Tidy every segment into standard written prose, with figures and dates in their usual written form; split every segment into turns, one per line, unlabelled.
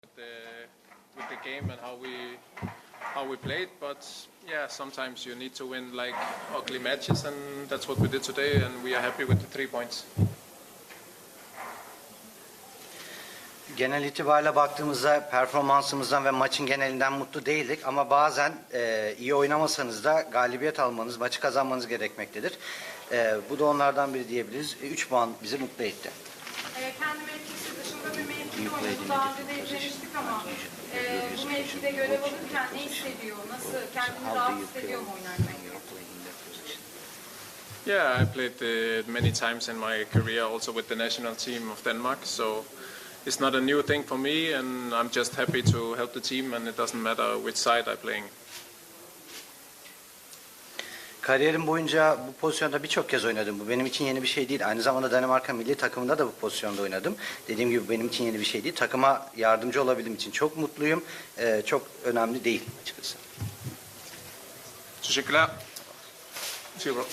with the game and how we played. But yeah, sometimes you need to win like ugly matches, and that's what we did today. And we are happy with the 3 points.
Genel itibariyle baktığımızda performansımızdan ve maçın genelinden mutlu değildik ama bazen iyi oynamasanız da galibiyet almanız, maçı kazanmanız gerekmektedir. Bu da onlardan biri diyebiliriz. 3 puan bizi mutlu etti.
Kendi mevkisi dışında bir mevkide oynadı. Daha önce de izlemiştik ama bu mevkide görev alırken ne hissediyor? Nasıl? Kendini rahat hissediyor mu oynarken?
Yeah, I played many times in my career also with the national team of Denmark. So it's not a new thing for me, and I'm just happy to help the team, and it doesn't matter which side I'm playing.
Kariyerim boyunca bu pozisyonda birçok kez oynadım. Bu benim için yeni bir şey değil. Aynı zamanda Danimarka milli takımında da bu pozisyonda oynadım. Dediğim gibi benim için yeni bir şey değil. Takıma yardımcı olabildiğim için çok mutluyum. Çok önemli değil açıkçası.
Teşekkürler. Super.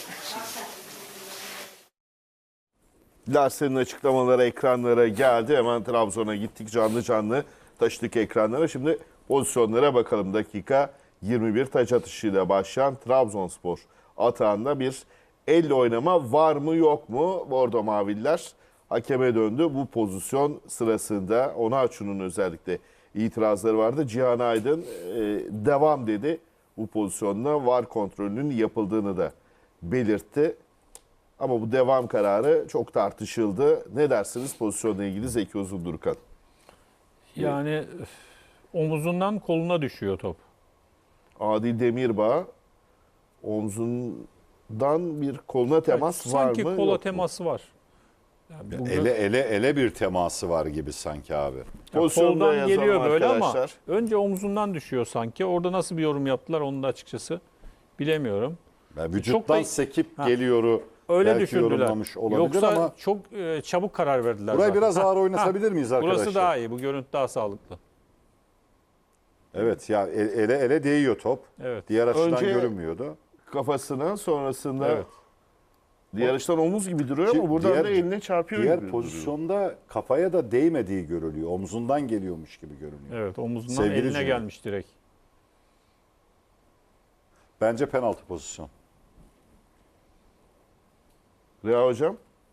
Larsen'in açıklamaları ekranlara geldi. Hemen Trabzon'a gittik, canlı canlı taşıdık ekranlara. Şimdi pozisyonlara bakalım. Dakika 21 taç atışıyla başlayan Trabzonspor atağında bir elle oynama var mı yok mu? Bordo Maviller hakeme döndü. Bu pozisyon sırasında Onaçu'nun özellikle itirazları vardı. Cihan Aydın devam dedi. Bu pozisyonda VAR kontrolünün yapıldığını da belirtti. Ama bu devam kararı çok tartışıldı. Ne dersiniz pozisyonla ilgili Zeki Uzundurkan?
Yani omuzundan koluna düşüyor top.
Adil Demirbağ omzundan bir koluna temas var mı?
Sanki kola teması var.
Yani ele bir teması var gibi sanki abi.
Pozisyonda
koldan
yazalım
geliyor böyle
arkadaşlar.
ama önce omzundan düşüyor sanki. Orada nasıl bir yorum yaptılar onu da açıkçası bilemiyorum.
Yani vücuttan sekip geliyoru
öyle
belki
düşündüler.
yorumlamış olabilir
Yoksa
ama
çok çabuk karar verdiler.
burayı
zaten.
biraz ağır oynatabilir miyiz arkadaşlar?
Burası daha iyi. Bu görüntü daha sağlıklı.
Evet ya ele değiyor top.
Evet.
Diğer açıdan
Önce
görünmüyordu.
Kafasına sonrasında
Evet.
diğer açıdan omuz gibi duruyor ama buradan da eline çarpıyor
Diğer
gibi
pozisyonda kafaya da değmediği görülüyor. Omzundan geliyormuş gibi görünüyor.
Evet, omuzundan
Sevgili
eline
Cüneyt.
gelmiş direkt.
Bence penaltı pozisyon.
Reha Hocam?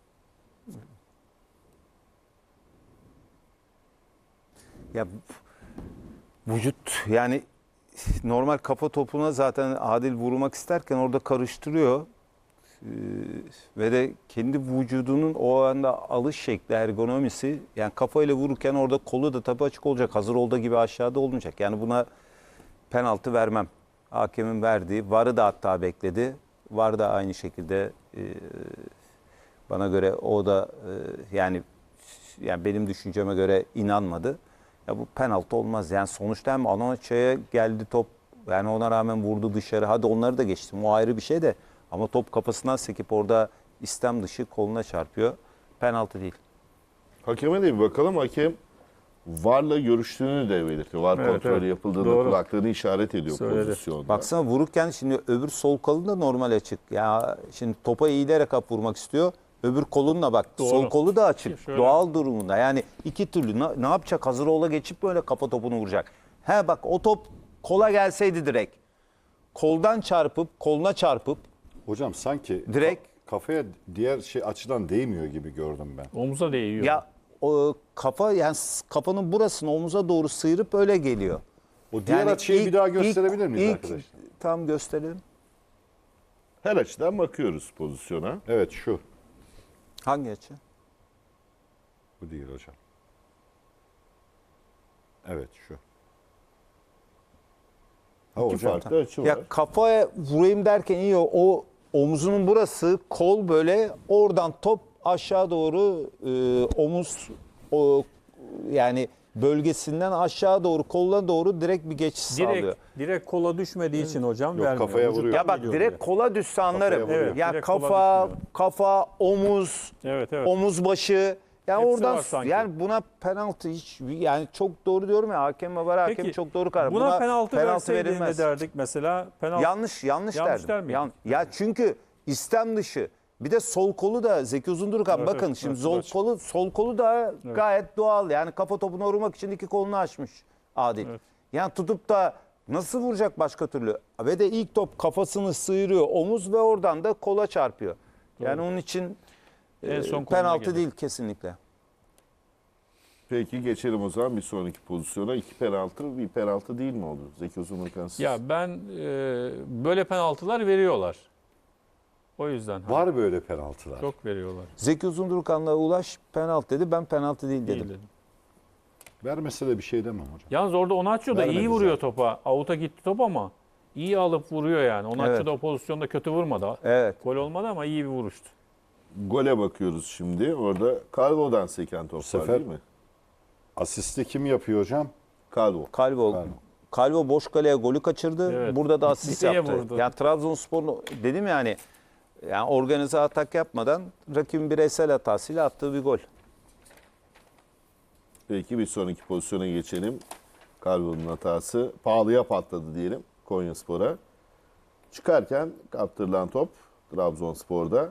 Ya vücut yani normal kafa topuna zaten Adil vurmak isterken orada karıştırıyor. Ve de kendi vücudunun o anda alış şekli, ergonomisi yani kafayla vururken orada kolu da tabii açık olacak. Hazır olduğu gibi aşağıda olmayacak. Yani buna penaltı vermem. Hakemin verdiği, VAR'ı da hatta bekledi. VAR da aynı şekilde bana göre o da yani benim düşünceme göre inanmadı. Ya bu penaltı olmaz. Yani sonuçta hem Anaça'ya geldi top. Yani ona rağmen vurdu dışarı. Hadi onları da geçtim. O ayrı bir şey de. Ama top kafasından sekip orada istem dışı koluna çarpıyor. Penaltı değil.
Hakeme de bir bakalım. Hakem VAR'la görüştüğünü de belirtti. VAR
Evet,
kontrolü
evet.
yapıldığını
Doğru.
kulaklığını işaret ediyor
Söyledi.
pozisyonda.
Baksana vururken şimdi öbür sol kolun da normal açık. Ya şimdi topa eğilerek vurmak istiyor. Öbür kolunla bak.
Doğru.
Sol kolu da açık.
Şöyle.
Doğal durumunda. Yani iki türlü ne yapacak? Hazır ola geçip böyle kafa topunu vuracak. He bak o top kola gelseydi direkt. Koldan çarpıp koluna çarpıp
Hocam sanki
Direkt-
kafaya diğer açıdan değmiyor gibi gördüm ben.
Omuza değiyor.
ya o kafa yani kafanın burasını omuza doğru sıyırıp öyle geliyor.
O diğer
Yani
açıyı bir daha gösterebilir miyiz arkadaşlar?
Tam gösterelim.
Her açıdan bakıyoruz pozisyona.
Evet şu.
Hangi açı?
Bu değil hocam. Evet şu. Ha
İki
hocam.
farklı açı var.
Ya kafaya vurayım derken iyi o omuzunun burası kol böyle oradan top aşağı doğru omuz yani bölgesinden aşağı doğru koluna doğru direkt bir geçiş sağlıyor.
Direkt kola düşmediği için hocam
Yok,
vermiyor.
kafaya
Vücuttan
vuruyor.
Ya bak
geliyor
direkt
direkt.
kola düşse anlarım.
Kafaya vuruyor.
Ya
Direkt kola
kafa,
düşmüyor.
omuz,
Evet, evet.
omuz başı. Yani
Hepsi
oradan
var sanki.
yani buna penaltı hiç yani çok doğru diyorum ya hakem ve var hakem
Peki,
çok doğru karar.
Buna penaltı verseydi ne
verilmez.
derdik mesela? Penaltı.
Yanlış
Yanlış
derdim.
der miydin?
Ya çünkü istem dışı Bir de sol kolu da Zeki Uzundurkan
Evet,
bakın
evet,
şimdi
evet,
sol kolu da gayet doğal. Yani kafa topuna vurmak için iki kolunu açmış Adil.
Evet.
Yani tutup da nasıl vuracak başka türlü? Ve de ilk top kafasını sıyırıyor omuz ve oradan da kola çarpıyor. Yani onun için
En son koluna
penaltı
gelir.
değil kesinlikle.
Peki geçelim o zaman bir sonraki pozisyona. 2 penaltı, bir penaltı değil mi oldu? Zeki Uzundurkan siz.
Ya ben böyle penaltılar veriyorlar. O yüzden.
Var böyle penaltılar.
Çok veriyorlar.
Zeki Uzundurkan'la Ulaş penaltı dedi. Ben penaltı değil
Değil
dedim.
dedim.
Vermese de bir şey demem hocam.
Yalnız orada Onaçio da
Vermedi
iyi vuruyor
zaten.
topa. Out'a gitti top ama iyi alıp vuruyor yani. Onaçio
Evet.
da o pozisyonda kötü vurmadı.
Evet.
Gol olmadı ama iyi bir vuruştu.
Gole bakıyoruz şimdi. Orada Calvo'dan seken top var
sefer-
değil mi?
Asisti kim yapıyor hocam?
Calvo.
Calvo boş kaleye golü kaçırdı.
Evet.
Burada da asist
Direğe
yaptı.
vurdu.
Yani Trabzonspor'un dedim yani organize atak yapmadan rakibin bireysel hatasıyla attığı bir gol.
Peki bir sonraki pozisyona geçelim. Calvo'nun hatası pahalıya patladı diyelim Konyaspor'a. Çıkarken kaptırılan top Trabzonspor'da.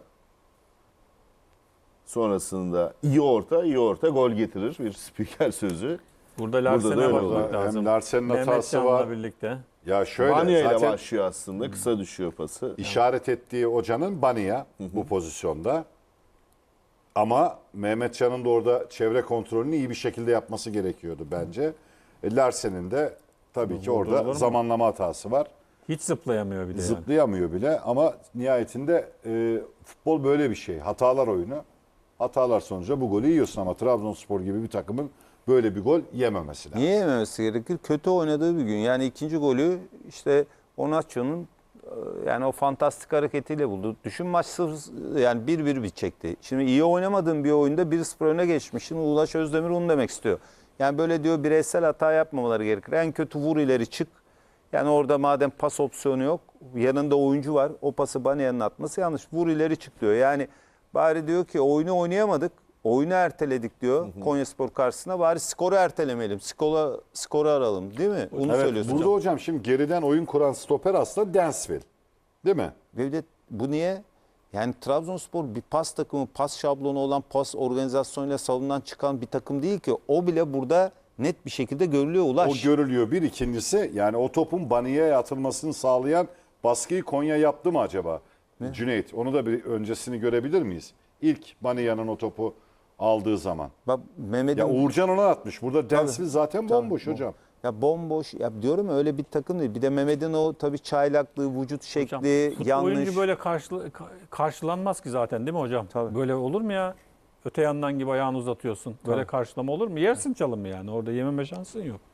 Sonrasında iyi orta gol getirir. Bir spiker sözü.
Burada
da
Larsen'e
öyle
bakmak
oldu.
lazım.
Hem Larsen'in hatası
Mehmetcan'la
var.
birlikte.
Ya şöyle
Banya ile
zaten
başlıyor aslında. Kısa düşüyor pası.
işaret ettiği hocanın Baniya bu pozisyonda. Ama Mehmetcan'ın da orada çevre kontrolünü iyi bir şekilde yapması gerekiyordu bence. Larsen'in de tabii ki
olur
orada
mu?
zamanlama hatası var.
Hiç zıplayamıyor bir de yani.
Zıplayamıyor bile ama nihayetinde futbol böyle bir şey. Hatalar oyunu. Hatalar sonucu bu golü yiyorsun ama Trabzonspor gibi bir takımın böyle bir gol yememesi lazım.
Niye yememesi gerekir? Kötü oynadığı bir gün. Yani ikinci golü işte Onaçio'nun yani o fantastik hareketiyle buldu. Düşün maç yani 1-1 bitecekti. Şimdi iyi oynamadığın bir oyunda 1-0 öne geçmişsin. Ulaş Özdemir onu demek istiyor. Yani böyle diyor bireysel hata yapmamaları gerekir. En kötü vur ileri çık. Yani orada madem pas opsiyonu yok, yanında oyuncu var. O pası Banya'nın atması yanlış. Vur ileri çık diyor. Yani bari diyor ki oyunu oynayamadık. Oyunu erteledik diyor Konyaspor karşısına. Bari skoru ertelemeyelim. Skoru aralım değil mi? Onu
Evet,
söylüyorsun.
burada hocam şimdi geriden oyun kuran stoper aslında Densville. Değil mi?
Ve bir de bu niye? Yani Trabzonspor bir pas takımı, pas şablonu olan, pas organizasyonuyla salondan çıkan bir takım değil ki. O bile burada net bir şekilde görülüyor Ulaş.
O görülüyor. Bir ikincisi yani o topun Baniya'ya atılmasını sağlayan baskıyı Konya yaptı mı acaba? Cüneyt onu da bir öncesini görebilir miyiz? İlk Baniya'nın o topu aldığı zaman.
Bak Mehmet'in...
Ya Uğurcan ona atmış. Burada Densville zaten bomboş hocam.
Ya bomboş. Ya diyorum ya, öyle bir takım değil. Bir de Mehmet'in o tabii çaylaklığı, vücut şekli,
Futbol
yanlış.
oyuncu böyle karşılanmaz ki zaten değil mi hocam?
Tabii.
Böyle olur mu ya? Öte yandan gibi ayağını uzatıyorsun. Böyle karşılama olur mu? Yersin çalımı yani. Orada yememe şansın yok.